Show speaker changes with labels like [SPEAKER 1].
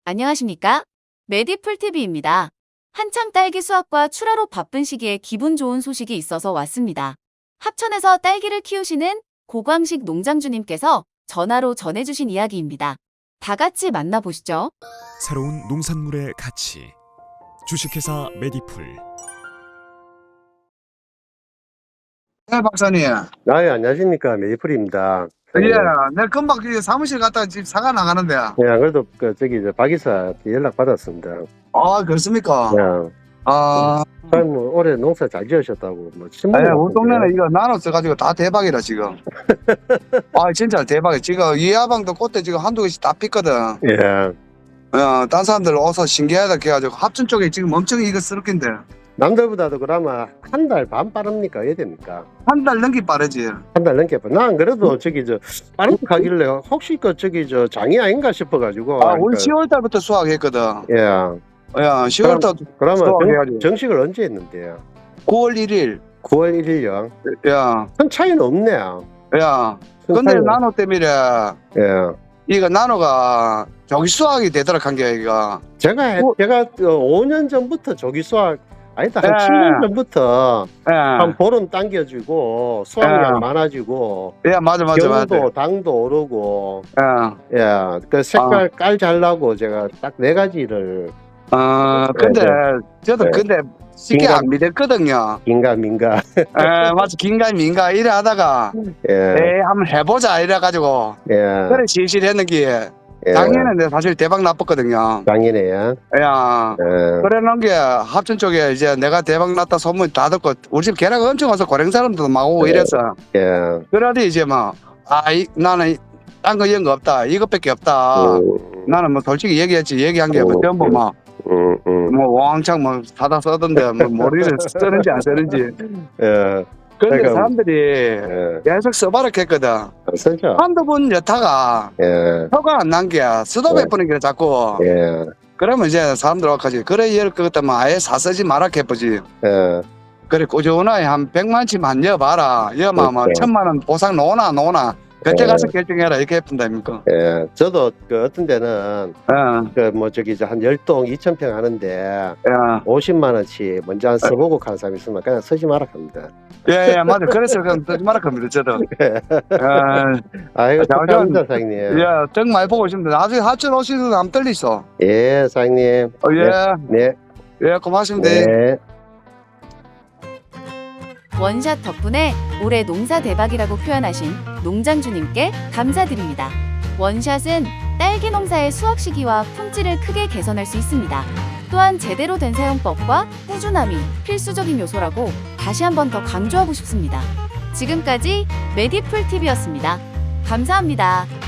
[SPEAKER 1] 안녕하십니까? 메디풀TV입니다. 한창 딸기 수확과 출하로 바쁜 시기에 기분 좋은 소식이 있어서 왔습니다. 합천에서 딸기를 키우시는 고광식 농장주님께서 전화로 전해주신 이야기입니다. 다 같이 만나보시죠.
[SPEAKER 2] 새로운 농산물의 가치. 주식회사 메디풀.
[SPEAKER 3] 네, 박사님.
[SPEAKER 4] 예, 안녕하십니까. 메디풀입니다.
[SPEAKER 3] 예, 내가 금방 사무실 갔다가 집 사가 나가는데.
[SPEAKER 4] 예, 안 그래도 박 이사 연락 받았습니다.
[SPEAKER 3] 아, 그렇습니까?
[SPEAKER 4] 예. 참, 올해 농사 잘 지으셨다고, 신문에
[SPEAKER 3] 우리 동네는 이거 나눴어가지고 다 대박이라, 지금. 아, 진짜 대박이야. 지금 이하방도 꽃대 지금 한두 개씩 다 폈거든.
[SPEAKER 4] 예.
[SPEAKER 3] 딴 사람들 와서 신기하다 해가지고 합천 쪽에 지금 엄청 이거 쓰럽긴데.
[SPEAKER 4] 남들보다도 그러면 한 달 반 빠릅니까? 어야 됩니까?
[SPEAKER 3] 한 달 넘기 빠르지.
[SPEAKER 4] 한 달 넘게. 나안 그래도 빠른 거 가길래 혹시 장이 아닌가 싶어가지고.
[SPEAKER 3] 우리 10월 달부터 수확했거든.
[SPEAKER 4] 예.
[SPEAKER 3] 10월 달
[SPEAKER 4] 그러면
[SPEAKER 3] 수확해가지고.
[SPEAKER 4] 정식을 언제 했는데요?
[SPEAKER 3] 9월 1일.
[SPEAKER 4] 9월 1일요?
[SPEAKER 3] 야,
[SPEAKER 4] 큰 차이는 없네요.
[SPEAKER 3] 야.
[SPEAKER 4] 큰
[SPEAKER 3] 근데
[SPEAKER 4] 차이는-
[SPEAKER 3] 나노 때문에
[SPEAKER 4] 예.
[SPEAKER 3] 이거 나노가 조기 수확이 되도록 한 게 이거.
[SPEAKER 4] 제가 5년 전부터 조기 수확, 아니다, 한
[SPEAKER 3] 예.
[SPEAKER 4] 7년 전부터 한
[SPEAKER 3] 예.
[SPEAKER 4] 보름 당겨지고 수확량
[SPEAKER 3] 예.
[SPEAKER 4] 많아지고
[SPEAKER 3] 예, 맞아.
[SPEAKER 4] 경도 당도 오르고
[SPEAKER 3] 예.
[SPEAKER 4] 그 색깔 깔 잘나고 제가 딱 4가지를
[SPEAKER 3] 근데 저도
[SPEAKER 4] 네.
[SPEAKER 3] 근데 쉽게
[SPEAKER 4] 긴가-
[SPEAKER 3] 안 믿었거든요.
[SPEAKER 4] 민가
[SPEAKER 3] 맞아. 긴가 민가 이래 하다가
[SPEAKER 4] 예.
[SPEAKER 3] 에이 한번 해보자 이래 가지고
[SPEAKER 4] 예.
[SPEAKER 3] 그래 실실했는 게
[SPEAKER 4] 예.
[SPEAKER 3] 작년에 내가 사실 대박 났었거든요.
[SPEAKER 4] 작년에요.
[SPEAKER 3] 야,
[SPEAKER 4] 예.
[SPEAKER 3] 그래 놓은 게 합천 쪽에 이제 내가 대박 났다 소문 다 듣고 우리 집 계란 엄청 와서 고랭 사람들도 막 오고
[SPEAKER 4] 네.
[SPEAKER 3] 이랬어.
[SPEAKER 4] 예.
[SPEAKER 3] 그러더니 이제 나는 딴 거 이런 거 없다. 이것밖에 없다. 나는 뭐 솔직히 얘기한 게 뭐 전부 왕창 사다 써던데 모르겠어 쓰는지 안 쓰는지.
[SPEAKER 4] 예.
[SPEAKER 3] 근데
[SPEAKER 4] 그러니까-
[SPEAKER 3] 사람들이
[SPEAKER 4] 예.
[SPEAKER 3] 계속 써봐라 했거든.
[SPEAKER 4] 쓰죠.
[SPEAKER 3] 한두 번 여타가
[SPEAKER 4] 예.
[SPEAKER 3] 표가 안 난 게 수도
[SPEAKER 4] 네.
[SPEAKER 3] 몇 번이길래 자꾸.
[SPEAKER 4] 예.
[SPEAKER 3] 그러면 이제 사람들 와가지고 그래 이럴 것 같으면 아예 쓰지 마라 해보지.
[SPEAKER 4] 예.
[SPEAKER 3] 그래 꾸준하게 한 100만치만 한 여봐라. 여마 뭐
[SPEAKER 4] 그렇죠.
[SPEAKER 3] 1000만 원 보상 놓나 그때
[SPEAKER 4] 네.
[SPEAKER 3] 가서 결정해라 이렇게 해본다니까.
[SPEAKER 4] 예. 저도 어떤 데는 한 10동 2,000평 하는데 50만 원치 먼저 안 써보고 간 사람이 있으면 그냥 쓰지 마라 합니다.
[SPEAKER 3] 예, 맞아. 그래서 그냥 쓰지 마라 합니다 저도.
[SPEAKER 4] 아이고,
[SPEAKER 3] 자,
[SPEAKER 4] 축하합니다, 사장님.
[SPEAKER 3] 예, 정 많이 보고 있습니다. 나중에 하천 오시는 안 떨리소.
[SPEAKER 4] 예, 사장님.
[SPEAKER 3] 예,
[SPEAKER 4] 네.
[SPEAKER 3] 예, 고맙습니다.
[SPEAKER 4] 네.
[SPEAKER 1] 원샷 덕분에 올해 농사 대박이라고 표현하신 농장주님께 감사드립니다. 원샷은 딸기 농사의 수확 시기와 품질을 크게 개선할 수 있습니다. 또한 제대로 된 사용법과 꾸준함이 필수적인 요소라고 다시 한번 더 강조하고 싶습니다. 지금까지 메디풀TV였습니다. 감사합니다.